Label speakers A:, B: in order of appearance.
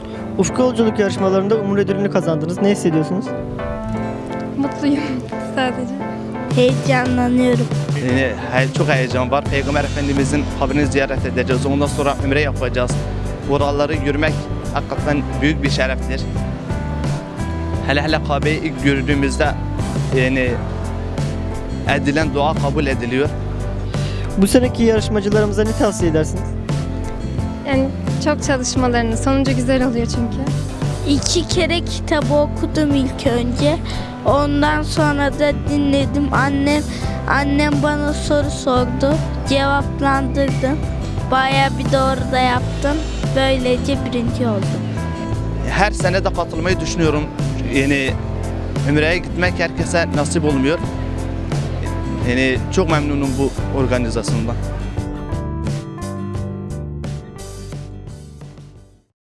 A: Ufku Yolculuk yarışmalarında Umur ödülünü kazandınız. Ne hissediyorsunuz?
B: Mutluyum sadece.
C: Heyecanlanıyorum.
D: Çok heyecan var. Peygamber Efendimizin kabrini ziyaret edeceğiz. Ondan sonra ümre yapacağız. Oraları yürümek hakikaten büyük bir şereftir. Hele Kabe'yi ilk gördüğümüzde edilen dua kabul ediliyor.
A: Bu seneki yarışmacılarımıza ne tavsiye edersiniz?
B: Yani çok çalışmalarını, sonucu güzel oluyor çünkü.
C: 2 kere kitabı okudum ilk önce. Ondan sonra da dinledim. Annem bana soru sordu. Cevaplandırdım. Bayağı bir doğru da yaptım. Böylece birinci oldum.
D: Her sene de katılmayı düşünüyorum. Ümre'ye gitmek herkese nasip olmuyor. Çok memnunum bu organizasyondan.